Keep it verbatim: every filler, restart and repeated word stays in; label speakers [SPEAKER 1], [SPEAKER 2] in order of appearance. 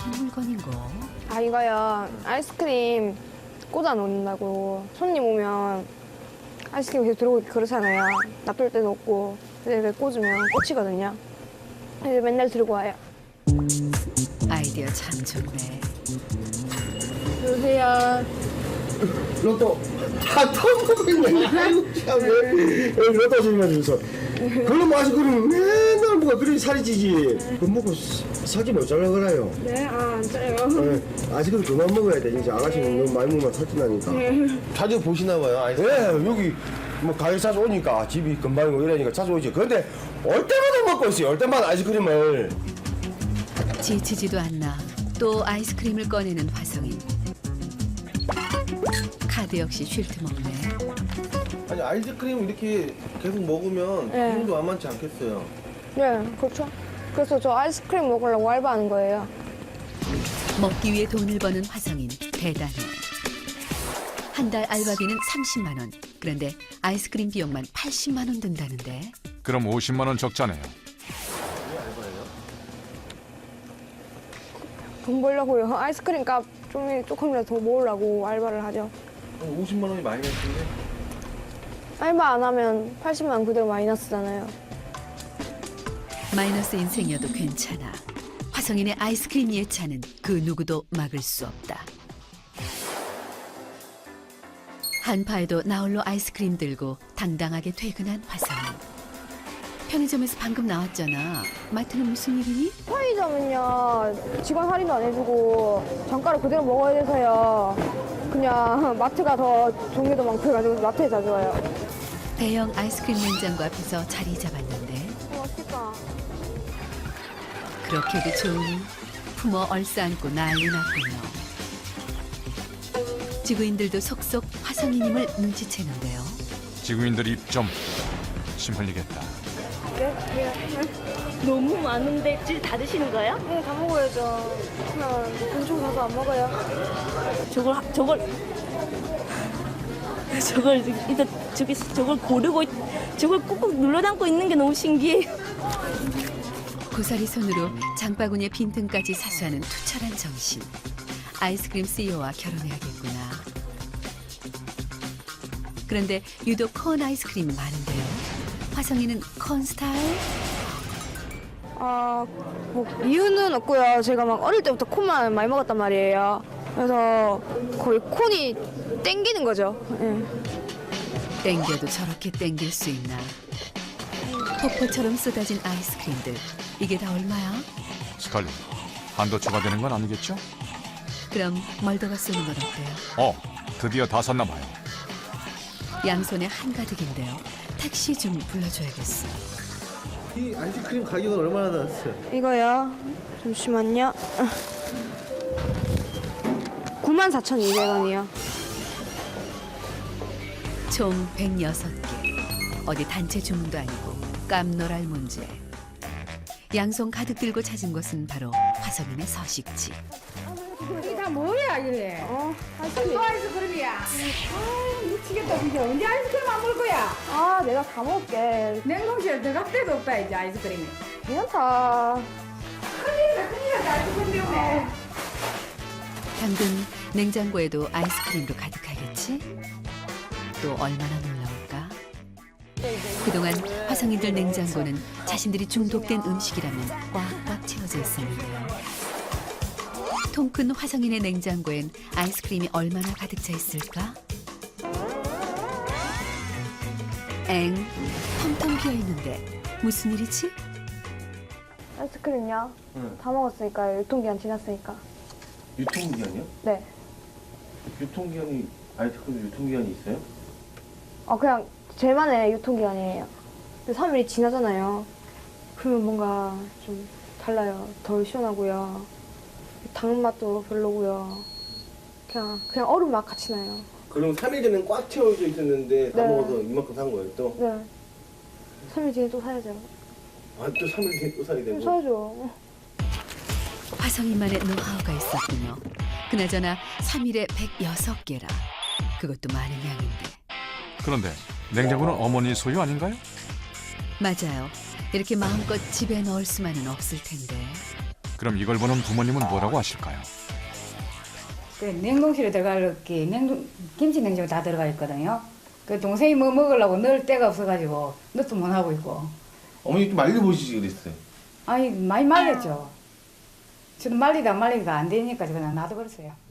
[SPEAKER 1] 무슨 물건인고?
[SPEAKER 2] 아 이거요 아이스크림 꽂아 놓는다고 손님 오면 아이스크림 계속 들어오게 그러잖아요. 놔둘 데도 없고 근데 이렇게 꽂으면 꽂히거든요. 그래서 맨날 들고 와요.
[SPEAKER 1] 아이디어 참 좋네.
[SPEAKER 2] 여보세요.
[SPEAKER 3] 로또 다 터먹었네. 아이고 참 왜, 왜 로또 소리만 들어서 그걸로 마시고 그러면 맨날 뭐가 그리 살이 찌지. 그거 먹고 살찌 못 잘라 그래요.
[SPEAKER 2] 네? 아 안 짜요.
[SPEAKER 3] 네, 아직은 그만 먹어야 돼. 진짜 아가씨는 너무 많이 먹으면 살찐다니까.
[SPEAKER 4] 자주 보시나 봐요. 아이스.
[SPEAKER 3] 예, 여기 뭐 가게 자주 오니까 집이 금방이고 이러니까 자주 오지. 그런데 올 때마다 먹고 있어요. 올 때마다 아이스크림을.
[SPEAKER 1] 지치지도 않나 또 아이스크림을 꺼내는 화성인. 카드 역시 쉴 틈 없네.
[SPEAKER 4] 아니 아이스크림 이렇게 계속 먹으면
[SPEAKER 2] 네.
[SPEAKER 4] 기분도 만만치 않겠어요.
[SPEAKER 2] 네 그렇죠. 그래서 저 아이스크림 먹으려고 알바하는 거예요.
[SPEAKER 1] 먹기 위해 돈을 버는 화성인 대단해. 한 달 알바비는 삼십만 원. 그런데 아이스크림 비용만 팔십만 원 든다는데.
[SPEAKER 5] 그럼 오십만 원 적자네요.
[SPEAKER 2] 돈 벌려고요. 아이스크림 값 좀 조금이라도 더 모으려고 알바를 하죠.
[SPEAKER 4] 오십만 원이 많이 났는데.
[SPEAKER 2] 알바 안 하면 팔십만 원 그대로 마이너스잖아요.
[SPEAKER 1] 마이너스 인생이어도 괜찮아. 화성인의 아이스크림 예찬은 그 누구도 막을 수 없다. 한파에도 나홀로 아이스크림 들고 당당하게 퇴근한 화성인. 편의점에서 방금 나왔잖아. 마트는 무슨 일이니?
[SPEAKER 2] 편의점은요 직원 할인도 안 해주고 정가를 그대로 먹어야 돼서요 그냥 마트가 더 종류도 많고 해가지고 마트에 자주 와요.
[SPEAKER 1] 대형 아이스크림 냉장고 앞에서 자리 잡았는데
[SPEAKER 2] 어, 맛있겠다.
[SPEAKER 1] 그렇게도 좋으니 품어 얼싸안고 난리 났군요. 지구인들도 속속 화성인임을 눈치채는데요.
[SPEAKER 5] 지구인들 입 좀 침 흘리겠다.
[SPEAKER 2] 네? 네?
[SPEAKER 6] 너무 많은데 질 다 드시는 거예요?
[SPEAKER 2] 네, 다 먹어야죠. 그냥 돈 가서 안 먹어요.
[SPEAKER 6] 저걸 하- 저걸 저걸 일단 저기 저걸 고르고 있- 저걸 꾹꾹 눌러 담고 있는 게 너무 신기해요.
[SPEAKER 1] 고사리 손으로 장바구니의 빈틈까지 사수하는 투철한 정신. 아이스크림 씨이오와 결혼해야겠구나. 그런데 유독 콘 아이스크림이 많은데요. 화성이는 콘 스타일?
[SPEAKER 2] 아, 뭐 이유는 없고요. 제가 막 어릴 때부터 콘만 많이 먹었단 말이에요. 그래서 거의 콘이 땡기는 거죠. 예.
[SPEAKER 1] 땡겨도 저렇게 땡길 수 있나. 폭포처럼 쏟아진 아이스크림들. 이게 다 얼마야?
[SPEAKER 5] 스칼리, 한도 초과되는 건 아니겠죠?
[SPEAKER 1] 그럼 멀더가 쏘는 건 어때요?
[SPEAKER 5] 어, 드디어 다 샀나 봐요.
[SPEAKER 1] 양손에 한가득인데요. 택시 좀 불러줘야겠어.
[SPEAKER 4] 이 아이스크림 가격은 얼마나 나왔어요?
[SPEAKER 2] 이거요. 잠시만요. 구만 사천이백 원이요.
[SPEAKER 1] 총 백육 개. 어디 단체 주문도 아니고 깜놀할 문제. 양손 가득 들고 찾은 곳은 바로 화성인의 서식지.
[SPEAKER 7] 이게 다 뭐야 이래?
[SPEAKER 2] 어, 아이스크림.
[SPEAKER 7] 또 아이스크림이야? 아 미치겠다 진짜. 언제 아이스크림 안 먹을 거야?
[SPEAKER 2] 아, 내가 다 먹을게.
[SPEAKER 7] 냉동실에 들어갈 데도 없다 이제 아이스크림이.
[SPEAKER 2] 괜찮다.
[SPEAKER 7] 큰일이다 큰일이다 아이스크림 때문에.
[SPEAKER 1] 당근 냉장고에도 아이스크림으로 가득하겠지? 또 얼마나 놀라울까? 그동안 화성인들 냉장고는 자신들이 중독된 음식이라면 꽉꽉 채워져 있었는데요. 통 큰 화성인의 냉장고엔 아이스크림이 얼마나 가득 차 있을까? 엥, 텅텅 비어 있는데 무슨 일이지?
[SPEAKER 2] 아이스크림요?
[SPEAKER 4] 응.
[SPEAKER 2] 다 먹었으니까요. 유통기한 지났으니까.
[SPEAKER 4] 유통기한이요?
[SPEAKER 2] 네.
[SPEAKER 4] 유통기한이 아이스크림 유통기한이 있어요?
[SPEAKER 2] 어, 그냥 제만의 유통기한이에요. 근데 삼 일이 지나잖아요. 그러면 뭔가 좀 달라요. 덜 시원하고요. 당 맛도 별로고요. 그냥 그냥 얼음 맛 같이 나요.
[SPEAKER 4] 그럼 삼 일 전엔 꽉 채워져 있었는데 다
[SPEAKER 2] 네.
[SPEAKER 4] 먹어서 이만큼 산 거예요 또?
[SPEAKER 2] 네. 삼 일 뒤에 또 사야죠.
[SPEAKER 4] 아 또 삼 일 뒤에 또 사야
[SPEAKER 2] 좀
[SPEAKER 4] 되고?
[SPEAKER 2] 사야죠.
[SPEAKER 1] 화성인만의 노하우가 있었군요. 그나저나 삼 일에 백육 개라. 그것도 많은 양인데.
[SPEAKER 5] 그런데 냉장고는 어머니 소유 아닌가요?
[SPEAKER 1] 맞아요. 이렇게 마음껏 집에 넣을 수만은 없을 텐데.
[SPEAKER 5] 그럼 이걸 보는 부모님은 뭐라고 하실까요?
[SPEAKER 7] 그 냉동실에 들어갈 게 냉동 김치 냉장고 다 들어가 있거든요. 그 동생이 뭐 먹으려고 넣을 데가 없어가지고 넣도 못 하고 있고.
[SPEAKER 4] 어머니 좀 말려보시지 그랬어요.
[SPEAKER 7] 아니 많이 말렸죠. 저도 말리다 말리다 안 되니까 그냥 놔둬 버렸어요.